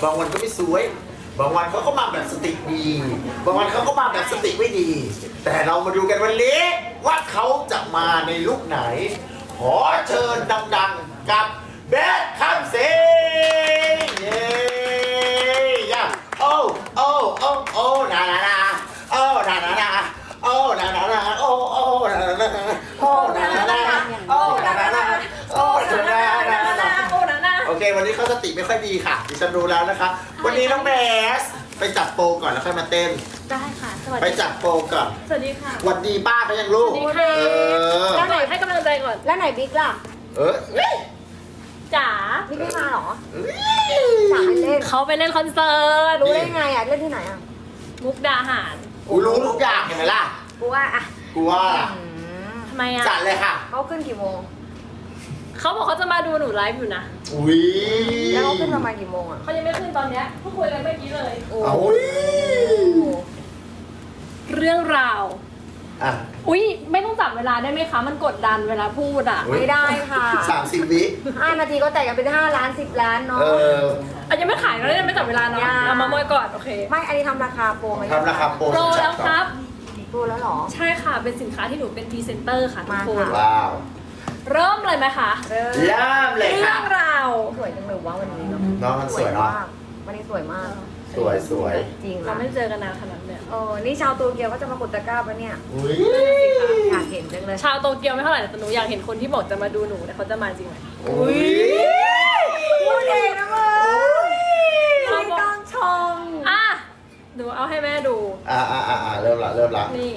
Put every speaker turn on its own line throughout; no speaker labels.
บางวันก็ไม่สวย บางวันเขาก็มาแบบสติดี บางวันเขาก็มาแบบสติไม่ดี แต่เรามาดูกันวันนี้ว่าเขาจะมาในลุคไหน ขอเชิญดังๆกับเบสคัมซิงเย้ย่าโอ้โอ้โอ้โอ้นานานาโอ้นานานาโอ้นานานาโอ้โอ้นานานาโอ้นานานาโอ้นานานาโอ้นานานาโอเควันนี้เขาสติไม่ค่อยดีค่ะดิฉันรู้แล้วนะคะวันนี้น้องเบสไปจับโปรก่อนแล้วค่อยมาเต้น
ได้ค่ะสวัส
ไป
ดี
จับโปรก่อน
สวัสดีค่ะ
หวัดดีป้าเขายังลูก
สวัสดีค่ะ
อ
หน่อยให้กำลังใจก่อน
แล้วไหนบิ๊กล่ะ
เออ
จ๋า
บิ๊กไม่มาเหรอจ๋าไม่เล่น
เขาไปเล่นคอนเสิร์ต
รู้ได้ไงอ่ะเล่นที่ไหนอ่ะ
มุกดาหาร
กูรู้ทุกอย่างเห็นไหมล่ะ
กูว่าอ่ะ
กูว่า
ทำไมอ่ะ
จัดเลยค่ะ
เขาขึ้นกี่โมง
เขาบอกเขาจะมาดูหนูไลฟ์อยู่นะ
อุ้ย
แล้วเขาขึ้นประมาณกี่โมงอ่ะ
เขายังไม่ขึ้นตอนเนี้ยเพิ่งคุยกันเมื่อกี้เลย
โอ้
เอา
เรื่องราว
อ่ะ
อุ้ยไม่ต้องจับเวลาได้ไหมคะ มันกดดันเวลาพูดอ่ะ
อุ๊ย
ไม่ได้ค่ะ
30 วิ
5 นาทีก็แตกกันเป็น5 ล้าน10 ล้านเนาะ
เออ
อ่ะยังไม่ขายเรายังไม่จับเวลาเนาะ
ยัง
เรามาโมยก่อนโอเค
ไม่อันนี้ทำราคาโปรไหม
ทำราคาโปร
โปรแล้วครับ
โปรแล้วเหรอ
ใช่ค่ะเป็นสินค้าที่หนูเป็นพรีเซนเตอร์ค่ะทุก
มา
คน
ค่ะ
ว้าว
เริ่มเลยไหมคะ
เริ่ม
เริ่มเลย
เรื่
ค่ะ
องราว
สวยจังเลยว่าวันนี้เนาะ
น้องมันสวยเนาะ
มากวันนี้สวยมาก
สวยสวย
จริง
เรา
ละ
ไม่เจอกันนานขนาดเนี้ย
นี่ชาวโตเกียวก็จะมากดตะกร้าปะเนี่ย
อุ้ย
อยากเห็นจังเลย
ชาวโตเกียวไม่เท่าไหร่แต่หนูอยากเห็นคนที่บอกจะมาดูหนูแต่เขาจะมาจริงไหม
อุ้ย
พูดเองนะมึงไม่ต้องชม
อ่ะหนูเอาให้แม่ดู
เริ่มละเริ่มละ
นี่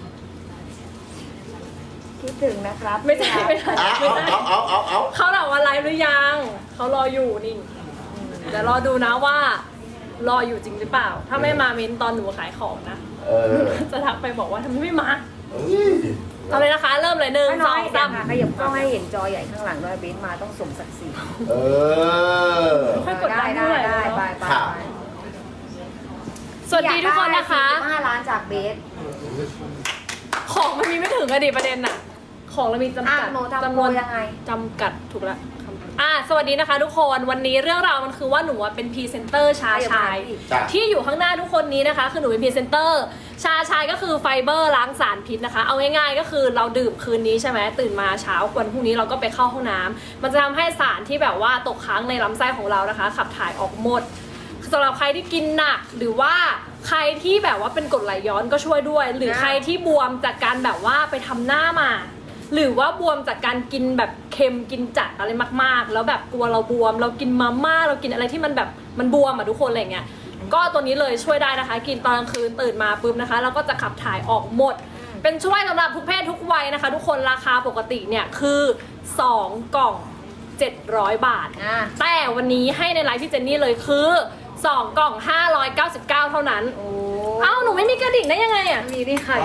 คิดถึงนะครับ
ไม่ใช่ไม่ใช่
อ่ะ
ไม่ใช่
เอา
เขาถามว่าไลฟ์หรือยังเขารออยู่นี่เดี๋ยวรอดูนะว่ารออยู่จริงหรือเปล่า ถ้าไม่มาเม้นตอนหนูขายของนะ
เออ
จะทักไปบอกว่าทำไมไม่มา
อุ้ย
เอาเลยนะคะ เริ่มเลยหนึ่ง
ไม่
ส
น้
อ
อย
ง
แต่
สาม
ค่ะขยับกล้องให้เห็นจอใหญ่ข้างหลังด้วยเบสมาต้องสมศักดิ์ศรี
เออ
ค่อยกดดัน
ได้
ด้วย
ได้ไป
ค่ะ
สวัสดีทุกคนนะคะ
5 ล้านจากเบส
ของมันมีไม่ถึงอะดิประเด็นอะของเรามีจำ
อ่ะ
กัด
หนูทำ
จำ
โป
น
ร
วน
ยังไง
จำกัดถูกแล้วสวัสดีนะคะทุกคนวันนี้เรื่องราวมันคือว่าหนูเป็นพรีเซนเตอร์ชาชาย
จ้ะ
ที่อยู่ข้างหน้าทุกคนนี้นะคะคือหนูเป็นพรีเซนเตอร์ชาชายก็คือไฟเบอร์ล้างสารพิษนะคะเอาง่ายๆก็คือเราดื่มคืนนี้ใช่ไหมตื่นมาเช้าวันพรุ่งนี้เราก็ไปเข้าห้องน้ำมันจะทำให้สารที่แบบว่าตกค้างในลำไส้ของเรานะคะ ขับถ่ายออกหมดสำหรับใครที่กินหนักหรือว่าใครที่แบบว่าเป็นกรดไหลย้อนก็ช่วยด้วย หรือใครที่บวมจากการแบบว่าไปทำหน้ามา หรือว่าบวมจากการกินแบบเค็มกินจัดอะไรมากๆ แล้วแบบกลัวเราบวม เรากินมาม่าเรากินอะไรที่มันแบบมันบวมอ่ะทุกคนอะไรเงี้ยก็ตัวนี้เลยช่วยได้นะคะ กินตอนกลางคืนตื่นมาปุ๊บนะคะแล้วก็จะขับถ่ายออกหมด เป็นช่วยสำหรับทุกเพศทุกวัยนะคะ ทุกคนราคาปกติเนี่ยคือ2กล่อง700 บาท แต่วันนี้ให้ในไลฟ์พี่เจนนี่เลยคือ2กล่อง599เท่านั้น
โอ้
เอ้าหนูไม่มีกระดิ่งได้ยังไงอ่ะ
มีดิค่ะ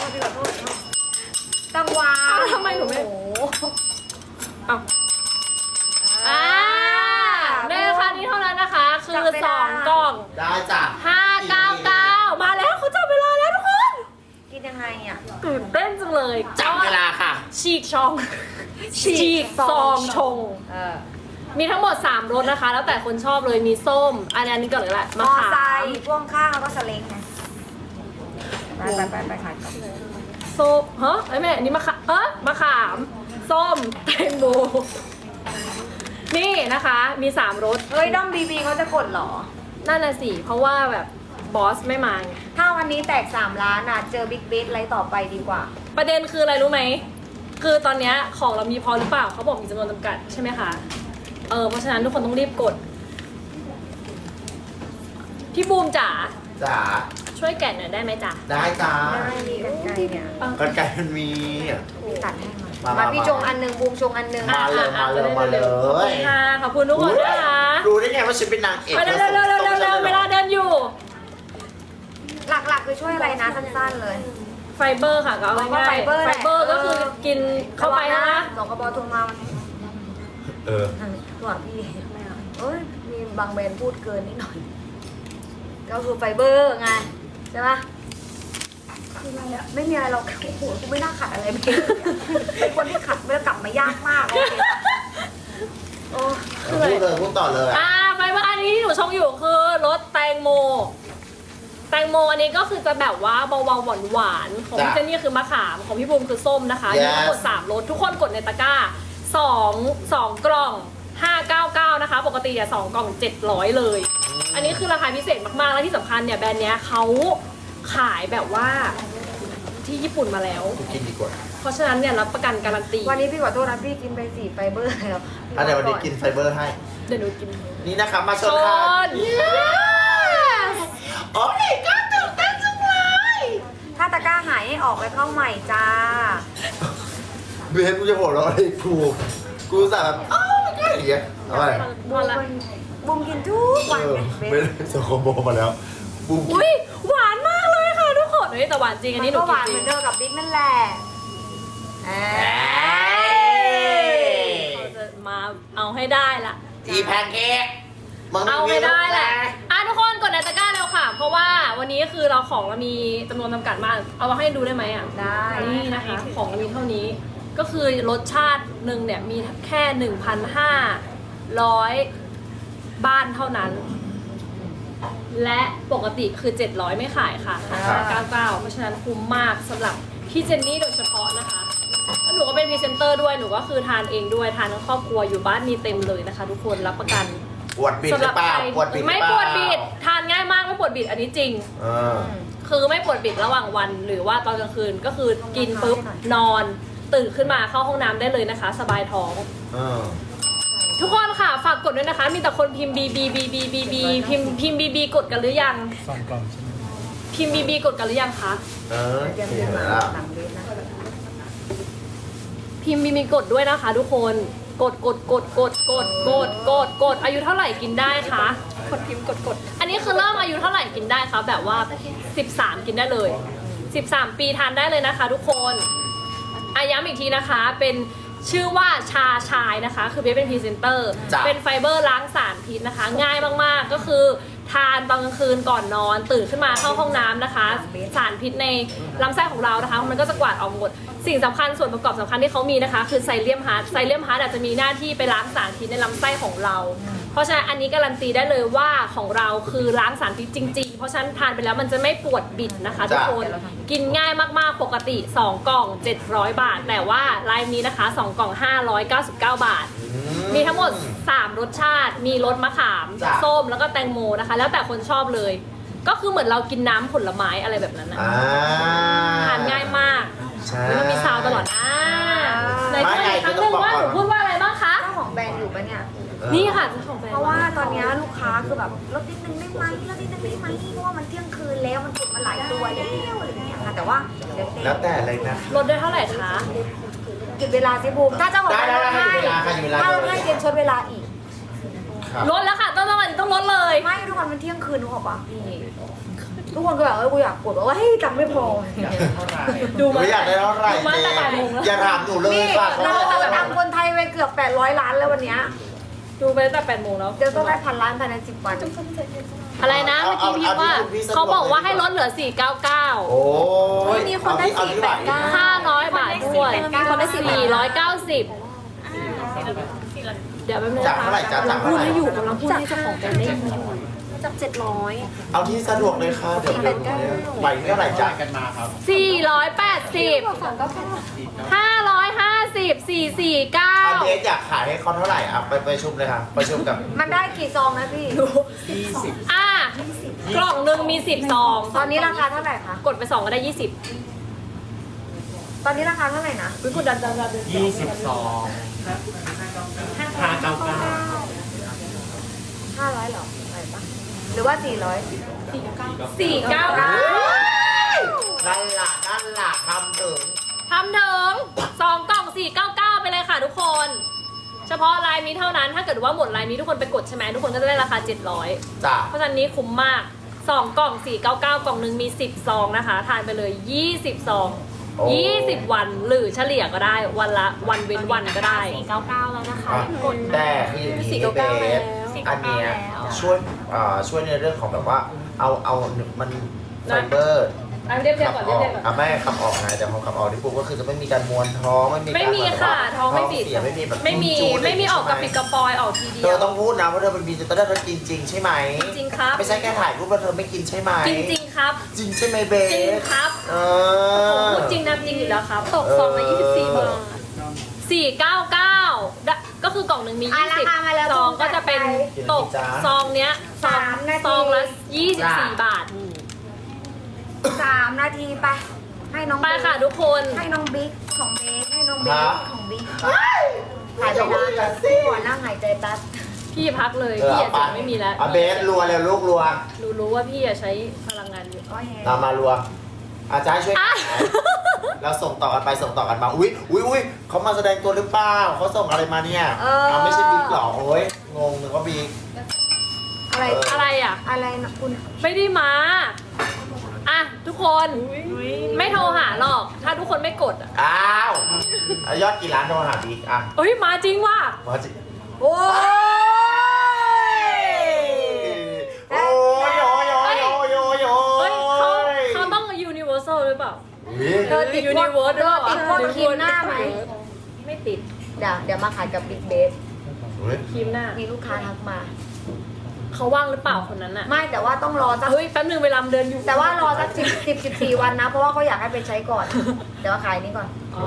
ตังวา
อ้าวทำไมหนูไม่
โอ้โห
ในราคานี้เท่านั้นนะคะ คือ2กล่อง
ได้จ้ะ
599มาแล้วเขาจับเวลาแล้วทุกคน
กินยังไงอ่ะ
ตื่นเต้นจังเลย
จับเวลาค่ะ
ฉีกช่อง ฉีกซองชง มีทั้งหมด3รสนะคะ แล้วแต่คนชอบเลยมีส้ม อันนี้ก่อนเลยแหละ
ม
มะ
อ
ขา
ไซ
ม
ค์พ่วงข้างแล้วก็สเล้งไงไปขายก่อน
ส้มฮะไอ้แม่อันนี้มะขามมะขาม ส้มแตงโมนี่นะคะมี3รส
เฮ้ยด้อมบีบีเขาจะกดเหรอ
นั่นน่ะสิเพราะว่าแบบบอสไม่มาไง
ถ้าวันนี้แตก3 ล้านอ่ะเจอบิ๊กเบสอะไรต่อไปดีกว่า
ประเด็นคืออะไรรู้ไหม คือตอนเนี้ยของเรามีพอหรือเปล่า เขาบอกมีจำนวนจำกัดใช่ไหมคะ เพราะฉะนั้นทุกคนต้องรีบกด พี่บูมจ๋า
จ๋า
ช่วยแกะหน่อยได้ไหมจ๊ะ
ได้จ้า
ได้มีกันไกลเนี่ย
กันไก่มันมี
มีตัดให้
มา
มาพี่ชงอันหนึงบูมชงอันหนึง
มาเลยมาเลยมาเลย
ขอบคุณค่ะขอบคุณทุกคนนะคะ
รู้ได้ไงว่าฉันเป็นนางเอก
ไปเร็วเร็วเร็วเร็วเร็วเวลาเดินอยู่
หลักๆคือช่วยอะไรนะสั้นๆเลย
ไฟเบอร์ค่ะก็เอาง่ายๆ
ไฟเบอร์
ไฟเบอร์ก็คือกินเข้าไปนะคะ
สองกระบอกโทรมาวันนี้
เออ
ส่วนพี่เอ้ยมีบางแบรนด์พูดเกินนิดหน่อย ก็คือไฟเบอร์ไงใช่ปะคืออะไรอะไม่มีอะไรเราโอ้โหกูไม่น่าขัดอะไรเลยเป็นคนที่ขัดไม่ได้กลับมายากมากโอเคปะโอ้
พูดเลยพูดต่อเลย
ไฟเบอร์อันนี้ที่หนูชงอยู่คือรสแตงโม แตงโมอันนี้ก็คือจะแบบว่าเบาๆหวานๆของพี่เจนนี่คือมะขามของพี่บูมคือส้มนะคะมีทั้งหมด3รสทุกคนกดในตะกร้า2กล่อง 599นะคะปกติ2กล่อง700เลยอันนี้คือราคาพิเศษมากๆและที่สำคัญเนี่ยแบรนด์เนี้ยเขาขายแบบว่าที่ญี่ปุ่นมาแล้ว
กินดีกว่า
เพราะฉะนั้นเนี่ยรับประกันการันตี
วันนี้พี่ขอโทษนะพี่กินไป4ไฟเบอร์แล้ว
เดี๋ยววันนี้กินไฟเบอร์ให้
เดี๋ยวหนูกิน
นี่นะคะมาช
ช
นค่ะ
น
โอ้ยก็ตื่นเต้นจังเลย
ถ้าตะกร้าหายให้ออกไปเข้าใหม่จ้า
เบนกูจะหัวเราะอะไรกูสาแบบอ้าวมันก็อย่างเงี้ยเอาไป
บูมบูมกินทุกวันไงเบ
ไม่
น
ได้ส่งคอมโบมาแล้วบูม
อุ้ยหวานมากเลยค่ะทุกคนเฮ้ยแต่หวานจริงอันนี้หนู
ก็ห
กิน
วาน
จ
เห
ริ
มือง นเดิมกับบิ๊กนั่นแหละ
เราจะมาเอาให้ได้ละ
อีแพนเค้กมึง
เอาให้ได้แหละทุกคนกดในตะกร้าแล้วค่ะ เพราะว่าวันนี้คือเราของเรามีจำนวนจำกัดมาก เอามาให้ดูได้ไหมอ่ะ
ได้
นี่นะคะ ของเรามีเท่านี้ ก็คือรสชาติหนึ่งเนี่ยมีแค่ 1,500 บ้านเท่านั้น และปกติคือ 700 ไม่ขายค่ะ99เพราะฉะนั้นคุ้มมากสำหรับพี่เจนนี่โดยเฉพาะนะคะแล้วหนูก็เป็นพรีเซนเตอร์ด้วย หนูก็คือทานเองด้วย ทานทั้งครอบครัวอยู่บ้านมีเต็มเลยนะคะ ทุกคนรับประกัน
ปวดบิดหรือเปล่าปวดบิดหรือเปล่า
ไม่ปวดบิด ทานง่ายมากไม่ปวดบิดอันนี้จริง
เออ
คือไม่ปวดบิดระหว่างวันหรือว่าตอนกลางคืนก็คือกินปุ๊บนอนตื่นขึ้นมาเข้าห้องน้ำได้เลยนะคะ สบายท้อง
เออ
ทุกคนค่ะฝากกดด้วยนะคะ มีแต่คนพิมพ์ BB BB BB พิมพ์ BB กดกันหรือยัง
2 กล่องใช่ไหม
พิมพ์ BB กดกันหรือยังคะ
เออ
เตรียม
เห็
เตรียม
นไหม
มา
ล่ะ
หลังเบสนะ
พิมพ์ BB กดด้วยนะคะ ทุกคนกดอายุเท่าไหร่กินได้คะกดพิมพ์กดอันนี้คือเริ่มอายุเท่าไหร่กินได้คะแบบว่า 13 กินได้เลย 13 ปีทานได้เลยนะคะ ทุกคนย้ำอีกทีนะคะเป็นชื่อว่าชาชายนะคะคือเบสเป็นพรีเซนเตอร์
จ้ะ
เป็นไฟเบอร์ล้างสารพิษนะคะ ง่ายมากๆก็คือทานตอนกลางคืนก่อนนอนตื่นขึ้นมาเข้าห้องน้ำนะคะ สารพิษในลำไส้ของเรานะคะมันก็จะกวาดออกหมดสิ่งสำคัญส่วนประกอบสำคัญที่เขามีนะคะ คือไซเลียมฮาร์ดไซเลียมฮาร์ดอาจจะมีหน้าที่ไปล้างสารพิษในลำไส้ของเรา เพราะฉะนั้นอันนี้การันตีได้เลยว่าของเราคือล้างสารพิษจริงๆ เพราะฉะนั้นทานไปแล้วมันจะไม่ปวดบิดนะคะทุกคนกินง่ายมากๆปกติ 2 กล่อง 700 บาท แต่ว่าลายนี้นะคะ 2 กล่อง 599 บาท มีทั้งหมด 3 รสชาติ มีรสมะขาม
จ้ะ
ส้ม แล้วก็แตงโมนะคะ แล้วแต่คนชอบเลย ก็คือเหมือนเรากินน้ำผลไม้อะไรแบบนั้นนะ
อ่า
ทานง่ายมาก
ใช่
มันมีซาวตลอดใน
ไม่
พูดอีกครั้งหนึงว่าหนูพูดว่าอะไรบ้างคะ
เจ้าของแบรนด์อยู่ปะเนี่ย
นี่ค่ะเจ้าของแบรนด์
เพราะว่าตอนเนี้ยลูกค้าคือแบบลดนิดนึงได้ไหมลดนิดนึงได้ไหมเพราะว่ามันเที่ยงคืนแล้วมันกดมาหลายตัวแล้วอะไรอย่างเงี้ยค่ะแต่ว่าเดี๋ยวเต้
แล้วแต่เลยนะ
ลดได้เท่าไหร่คะ
หยุดเวลาสิบูมถ้าเจ้าของแบรนด์ลดให้
ได้ให้หยุดเวลา
ถ้า
ให้
ลดให้เตรียมชดเวลาอีก
ครับ
ลดแล้วค่ะต้องลดเลย
ไม่ทุกคนมันเที่ยงคืนนึกออกปะพี่ทุกคนก็แบบกูอยากกดบอกว่าเฮ้ยตังค์ไม่พอ
ดู
หนู
มา
อยากได้เท่าไหร่
ดูมาตั้งแต่บ่ายโมงแล้ว
อย่าถามหนูเลย
นี่
ค่ะ
เราตังค์คนไทยไปเกือบ800 ล้านแล้ววันเนี้ย
ดูไปตั้งแต่8 โมงแล้ว
เดี๋ยวต้องได้1,000 ล้านภายใน10 วัน
อะไรนะเมื่อกี้พี่ว่าเขาบอกว่าให้ลดเหลือ 499
โอ้ย
มีคนได้
เอาที่ไหว
500 บาทด้วย
มีคนได้
490 เดี๋ยวแป๊บนึง
จาก
นะคะ
เท่าไหร่จ้ะจาก
พู
เท่า
ด
ไหร่
ให้อยู่กำลังพูดให้เจ้าของแบรนด์ได้ยินอยู่
จับ700
เอาที่สะดวกเลยค่ะเดี๋ยวไหวเท่าไหร่จ้ะ
กันมาครับ
480 550
เอาเบ
449
สอยากขายให้เขาเท่าไหร่อ่ะไปประชุมเลยค่ะประชุมกับ
มันได้กี่ซองนะพี่
อ่ะกล่องหนึ่งมี 10 ซอง
ตอนนี้ราคาเท่าไหร่คะ
กดไป2ก็ได้ 20
ตอนนี้ราคาเท่าไหร่นะ
วิกดดัน
22 599
500หรอไหวปะหรือว่า400
499
นั่นล่ะทำถึง
ทำถึง2กล่อง 499 ไปเลยค่ะทุกคน เฉพาะลายนี้เท่านั้นถ้าเกิดว่าหมดลายนี้ทุกคนไปกดใช่ไหมทุกคนก็จะได้ราคา 700
จ้ะ
เพราะฉะนั้นนี้คุ้มมาก 2 กล่อง 499 กล่องหนึ่งมี 10 ซองนะคะ ทานไปเลย 20 ซอง 20 วันหรือเฉลี่ยก็ได้วันละวันเว้นวันก็ได้
499 แล้วนะคะ
แต่คืออย่างนี้เบสอันเนี้ยช่วยในเรื่องของแบบว่าเอามันไฟเบอร์
อ่ะเรียบเรียงก่อน
ขับ
เรียบเรียงก่อน
อ่ะไม่ขับออกไงแต่พอขับออกที่ปุ๊บก็คือจะไม่มีการมวนท้องไม่มีการ
ไม่มีค่ะ
แบบว่า
ท้องไม่บิด
เสียไม่มีแบบ
ไม่มี
จูดๆ
ไม่มีออกกระปิด
ใช่
กระปอยออกทีเดี
เธ
ย
อ
ว
ต้องพูดนะว่าเธอเป็นบีจะได้เธอกินจริงใช่ไหม
จริงครับ
ไม่ใช่แค่ถ่ายรูปแล้วเธอไม่กินใช่ไหม
จริงจริงๆครับ
จริงใช่ไหมเบส
จริงครับ
เอ
ผม
อ
พูดจริงนะจริงอยู่แล้วครับ ตก
เออ
ซองละ24 บาท499ก็คือกล่องหนึ่งมี
อ่ะราคามาแล้ว
20ซองก็จะเป็นตกซองเนี้ยซอง
3 นาที
ซองละ24 บาท
3 นาทีไป ให้น้อง
ไปค่ะทุกคน
ให้น้องบิ๊กของเบสให้น้องเบส
ฮะ
ของบิ๊ก
เฮ้ย
หายใจ
อย่าพูดอย่าง
นะ
นั้นสิ
หัวนั่งหายใจแป๊บ
พี่พักเลย
เออ
พี่
เอา
อะ
ไป
จะไม่มีแล้ว
เอาเบสรัวแล้วลูกรัว
รู้ว่าพี่อะใช้พลังงานเยอะ
โอ้ย
เอามารัวอาจารย์ช่วย
อ่ะ
เราส่งต่อกันไปส่งต่อกันมาอุ้ยเขามาแสดงตัวหรือเปล่าเขาส่งอะไรมาเนี่ยเอาไม่ใช่บิ๊กหรอโอ้ยงงนึกว่าบิ๊ก
อะไร
อะไรอ่ะ
อะไรนะคุณ
ไม่ได้มา อ่ะทุกคนไม่โทรหาหรอก ถ้าทุกคนไม่กดอ่ะ
อ้าวเอายอดกี่ล้านโทรหาบิ๊กอ่ะ
เอ้ยมาจริงว่ะ
มาจิ
โอ้ย
โอ้ยโอ้ยโอ้ยโอ้ยโอ้ยโอ้
เฮ้ยเขา
ย
เขาต้อง universal หรือเปล่า
เธอติดพวก
Universe
เธอติดพวก
หรือเปล่า
ครีมหน้าไหม
ไม่ติด
เดี๋ยวมาขายกับบิ๊กเบส
เฮ้ย
ครีมหน้า
มีลูกค้าทักมา
เขาว่างหรือเปล่าคนนั้นอ่ะ
ไม่แต่ว่าต้องรอสัก
เฮ้ยแป๊บนึงเวลาเดินอยู่
แต่ว่ารอสัก14 วันนะ เพราะว่าเขาอยากให้ไปใช้ก่อน เดี๋ยวมาขายนี้ก่อน
อ๋อ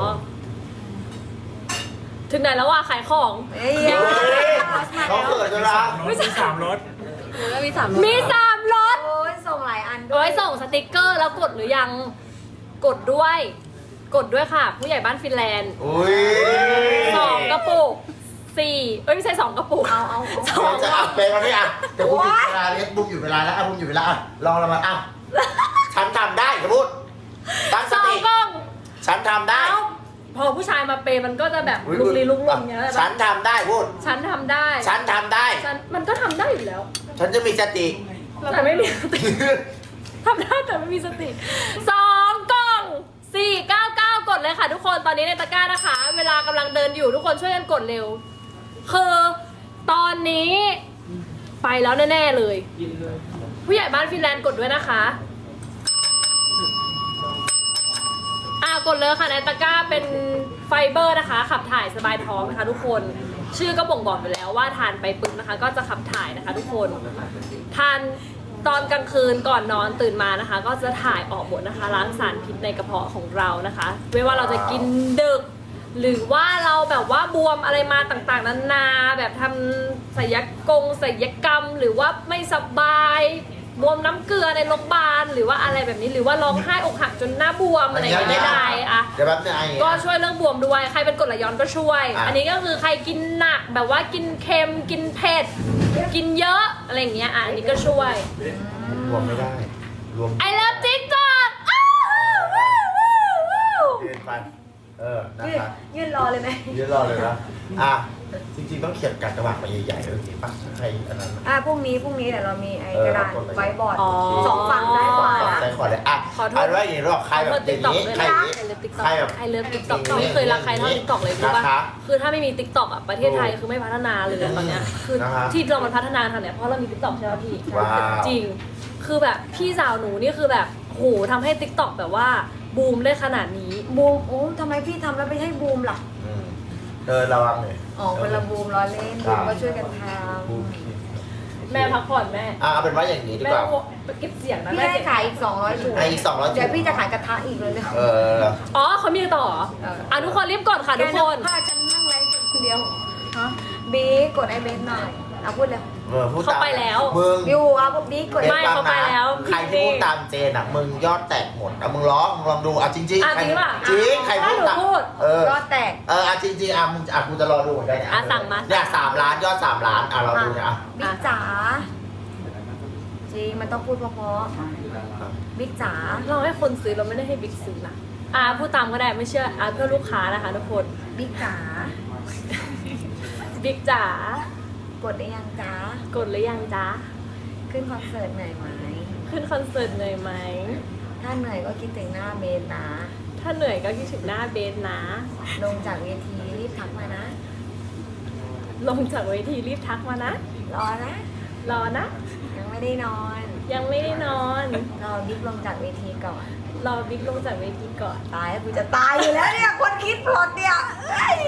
ถึงไหนแล้วว่าขายของ
เอ้ย
เฮ้ยเขาเกิดจะรัก
มี3รถ
มีสามรถ
โอ้ยส่งหลายอันด้
โอ้
วย
ยส่งสติกเกอร์แล้วกดหรือยัง กดด้วย กดด้วยค่ะ ผู้ใหญ่บ้านฟินแลนด์
อุ้ย
2 กระปุก 4 เอ้ยไม่ใช่ 2 กระปุก
เอา
สอง
จะอัพเป็นมาเนี่ยเดี๋ยวบุ้มหยุดเวลาเล็กบุ้มหยุดเวลาแล้วอ่ะบุ้มหยุดเวลาอ่ะลองเรามาอ่ะฉันทำได้สมมติตั้งส
สอง
ติ
กล้อง
ฉันทำได้
เอ้าพอผู้ชายมาเปย์มันก็จะแบบลุกลี้ลุกลนอย่างเงี้ย
ฉันทำได้พูด
ฉันทำได้
ฉันทำได้
ฉันมันก็ทำได้อยู่แล้ว
ฉันจะมีสติ
แต่ไม่มีสติทำได้แต่ไม่มีสติ2 กล่อง 499 กดเลยค่ะทุกคนตอนนี้ในตะกร้านะคะ เวลากำลังเดินอยู่ทุกคนช่วยกันกดเร็ว คือตอนนี้ไปแล้วแน่ๆเลย ผู้ใหญ่บ้านฟินแลนด์กดด้วยนะคะกดเลยค่ะในตะกร้าเป็นไฟเบอร์นะคะ ขับถ่ายสบายท้องนะคะทุกคนชื่อก็บ่งบอกอยู่แล้วว่าทานไปปึ๊บนะคะ ก็จะขับถ่ายนะคะ ทุกคนทานตอนกลางคืนก่อนนอนตื่นมานะคะ ก็จะถ่ายออกหมดนะคะล้างสารพิษในกระเพาะของเรานะคะไม่ว่าเราจะกินดึก หรือว่าเราแบบว่าบวมอะไรมาต่างๆนานาแบบทำศัลยกรรมหรือว่าไม่สบายบวมน้ำเกลือในโรงพยาบาลหรือว่าอะไรแบบนี้หรือว่าร้องไห้อกหักจนหน้าบวมอะไรอย่างเงี้ยไม่ได้อะ
เดี๋ยวแป๊บนึงไอ้
ก็ช่วยเรื่องบวมด้วยใครเป็นกรดไหลย้อนก็ช่วย
อ่ะ
อันนี้ก็คือใครกินหนักแบบว่ากินเค็มกินเผ็ดกินเยอะอะไรอย่างเงี้ยอันนี้ก็ช่วย
รวมไม่ได้ รวม
I love TikTok
เกินไปนะ
ยืน
คะ
ยืนรอเลยไหม
ยืนรอเลยนะอ่ะจริงๆต้องเขียนการกระบาดมาใหญ่ๆเลยทีป่ะใครอันนั้น
พรุ่งนี้เดี๋ยวเรามีไอ้กระดาษไว้บอร์ด
อ๋อ
สองฝั่งซ้ายขวา
ใส่ขวดเลยอ่ะ
ขอโทษ
เอาไว้อย่างนี้หรอกใครแบบอย่างนี้ใครอย่างนี้
ไอเลิฟติ๊กต็อก
ใครแบบ
ไอเลิฟติ๊กต็อกไม่เคยรักใครเท่าติ๊กต็อกเลยรู้ป่ะ
นะคะ
คือถ้าไม่มีติ๊กต็อกอ่ะประเทศไทยคือไม่พัฒนาเลยตอนเนี้ยคือ
นะคะ
ที่เรามันพัฒนาทางเนี้ยเพราะเรามีติ๊กต็อกใช่ไหมพี่
ว้าว
จริง คือแบบพี่สาวหนูนี่คือแบบโหทำให้ติ๊กต็อกแบบว่าบูมได้ขนาดนี้
บูมโอ้ทำไมพี่ทำแล้วไม่ให้บูมล่ะ
อืมระวังหน่อย
อ๋อคนละบูมล้อเล่นบูมก็ช่วยกันท
บูม
แม่พักผ่อนแม่
เอาเป็นว่าอย่างนี้ดี
แม่
กว่า
เก็บเสียง
ำ
นะ
พี่
แม่
ให้
เก็บ
ขายอีก200ถุง
ไอ้อีก200
เดี๋ยวพี่จะขายกระทะอีกเลยเลย
อ๋อเขามีต่อเหรอทุกคนรีบกดค่ะทุกคน
พาฉันนั่งไลฟ์คนเดียวบีกดไอเบนหน่อยเอาพูดเลย
พูด
เขา
ตาม
ไปแล้ว
มึง
อยู่เอาบีกด
ไม่เขาไปแล้ว
ใครที่พูดตามเจนอ่ะมึงยอดแตกหมดอ่ะมึงลองดูอ่ะจริงๆ
อ่ะจริงป่ะ
จริงใครพูด
ถ้าหนู
ตาม
พูด
ยอดแตก
อ่ะจริงๆมึงกูจะรอดูเหมือนกันเนี่ย
สั่งมา
เนี่ย3 ล้านยอด3 ล้านเราดูเนี่ย
บิ๊กจ๋าจริงมันต้องพูดเพราะๆบิ๊กจ๋า
เราให้คนซื้อเราไม่ได้ให้บิ๊กซื้อนะพูดตามก็ได้ไม่เชื่อเพื่อลูกค้านะคะทุกคน
บิ๊กจ๋า
บิ๊กจ๋าก
ดได้ยังจ๋าก
ดหรือยังจ๊ะ
ขึ้นคอนเสิร์ตเหนื่อยไหม
ขึ้นคอนเสิร์ตเหนื่อยไหม
ถ้าเหนื่อยก็คิดถึงหน้าเบนนะ
ถ้าเหนื่อยก็คิดถึงหน้าเบสนะ
ลงจากเวทีรีบทักมานะ
ลงจากเวทีรีบทักมานะ
รอนะ
รอนะ
ยังไม่ได้นอน
ยังไม่ได้นอน
รอบิ๊กลงจากเวทีก่อน
รอบิ๊กลงจากเวทีก่อน
ตายกูจะตายอยู่แล้วเนี่ยคนคิดพล็อตเนี่ยเอ้ย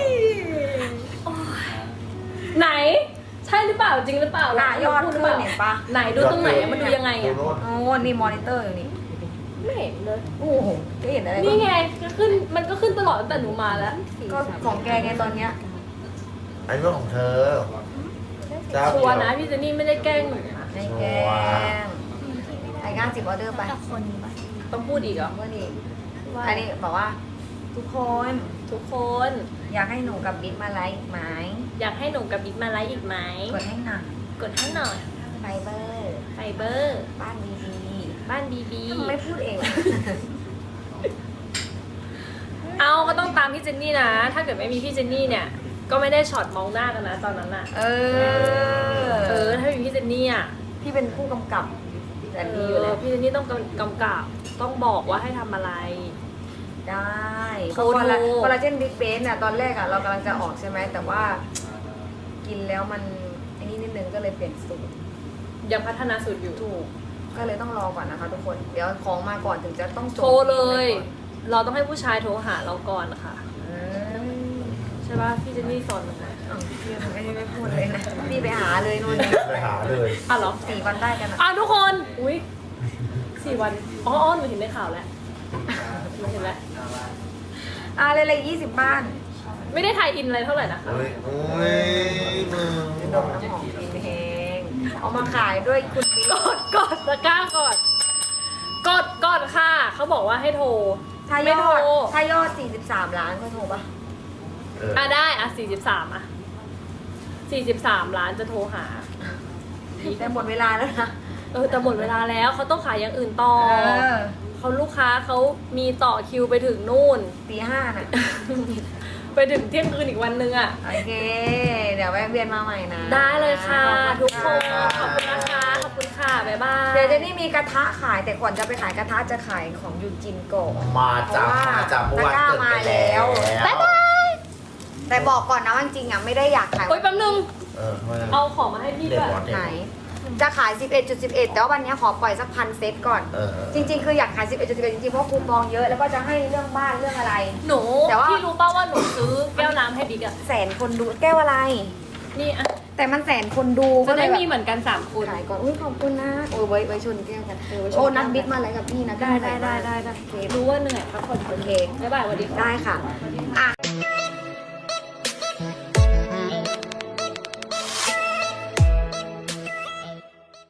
ไหน ใช่หรือเปล่าจริงหรือเปล่า
ยอด
พู
ขึ้
หรื
น
ปล่า
เห็นปะ
ไหนดูตรงไหนอะมันดูยังไงอะ
โอ้นี่มอนิเตอร์อยู่นี่
ไม่เห็นเลย
โอ้โหจะเห็นอะไรบ้าง
นี่ไงก็ขึ้นมันก็ขึ้นตลอดตั้งแต่หนูมาแล้ว
ก็ของแกไงตอนเนี้ย
อันนี้เรื่องของเธอเจ้า
ชัวร์
เดี
นะ
ยว
พี่เจนนี่ไม่ได้แกล้งหนูนะ
ในแกงไอ้งาน10 ออเดอร์ไป
ต้องพูดอีกเหรอ
เมื่อนี้
ว่า
อันนี้บอกว่า ทุกคน
ทุกคน
อยากให้หนูกับบิ๊กมาไลฟ์ไหม
อยากให้หนูกับบิ๊กมาไลฟ์อีกไหม
กดให้หนัก
กดให้หน่อย
ไฟเบอร์
ไฟเบอร์
บ้านดี
บ้านบีบี
ๆไม่พูดเอง
เอาก็ต้องตามพี่เจนนี่นะ ถ้าเกิดไม่มีพี่เจนนี่เนี่ย ก็ไม่ได้ช็อตมองหน้ากันนะตอนนั้นอะ
เออ
ถ้ามีพี่เจนนี่อะ
พี่เป็นผู้กำกับแต่ดีอยู่แล้ว
พี่เจนนี่ต้องกำกับ ต้องบอกว่าให้ทำอะไร
ได้
โค
คอล
โน
ลาเจนบิ๊กเบสเนี่ยตอนแรกอะเรากำลังจะออกใช่ไหมแต่ว่า กินแล้วมันไอ้นี่นิดนึงก็เลยเปลี่ยนสูตร
ยังพัฒนาสูตรอยู่
ถูกก็เลยต้องรอก่อนนะคะทุกคนเดี๋ยวของมาก่อนถึงจะต้องจบ
โทรเลย เราต้องให้ผู้ชายโทรหาเราก่อนนะคะ
อืม
ใช่ป่ะพี่เจนนี่สอนหนูไหม
อ้าวพี่ไม่พูดเลยนะพี่ไปหาเลยนู่น
ไปหาเลย
อ่ะเหรอ
4 วันได้กันอะ
อ่ะทุกคน อุ้ย4 วัน อ๋อหนูเห็นในข่าวแล้วหนูเห็นแล้ว
เลย20 บ้าน
ไม่ได้ไทยอินอะไรเท่าไหร่นะคะ
โอ้ยโอ้ยมึง
ดมน้ำหอมกินแห้งเอามาขายด้วยคุณบิ๊ก
กดตะกร้าก่อน กดค่ะ เขาบอกว่าให้โทร
ถ้าย
ไม่
อ
โทร
ด43 ล้านก็โทรปะ
เออ
อ่ะได้อ่ะ43อ่ะ43 ล้านจะโทรหา
แต่หมดเวลาแล้วนะ
แต่หมดเวลาแล้วเขาต้องขายอย่างอื่นต่อ เขาลูกค้าเขามีต่อคิวไปถึงนู่น
ตีห้าน่ะ
ไปถึงเที่ยงคืนอีกวันนึงอ่ะ
โอเค เดี๋ยวแวะเวียนมาใหม่นะ
ได้เลยค่ะ
ข
ทุ
อบ
ก
คุ
ค
ณ
น ขอบคุณนะคะ ขอบคุณค่ะ บ๊ายบาย
เดี๋ยวเจนี่มีกระทะขายแต่ก่อนจะไปขายกระทะจะขายของยูจินก่อน
มาจาก
เพราะว่า
มาจากเมื่อวาน
ตะกร้า
เกิดไป
มาแล้
แล้ว
ว บ๊ายบาย แต่บอกก่อนนะว่าจริงๆอ่ะไม่ได้อยากขาย
โอ๊ยแป๊บนึง
เออทำไม
เอาของมาให้พี่
เด็ด
ด้วย
หมดเด็ด
ไหน
หมด
จะขาย 11.11 แต่ว่าวันนี้ขอปล่อยสัก1,000 เซตก่อน
เออ
จริง ๆ คืออยากขาย 11.11 จริงๆ เพราะคูปองเยอะ แล้วก็จะให้เรื่องบ้านเรื่องอะไร
หนู
แต่ว่า
พี่รู้ป่าว่าหนูซื้อแก้วน้ำให้บิ๊กอะ
แสนคนดูแก้วอะไร
นี่อะ
แต่มันแสนคนดู
จะ
ก็เล
ได้
ยแบบ
มีเหมือนกัน3คน
ขายก่อนอุ้ยขอบคุณนะโอ้ยไว้ชนแก้วกัน
ไว้ชน
โอ้นัดบิ๊กมาอะไรกับพี่นะ
ได้
โอเค
รู้ว่าเหนื่อยพักผ่อน
โอเค
บ๊ายบายสวัสดีค่ะ
ได้ค่ะ อ่ะ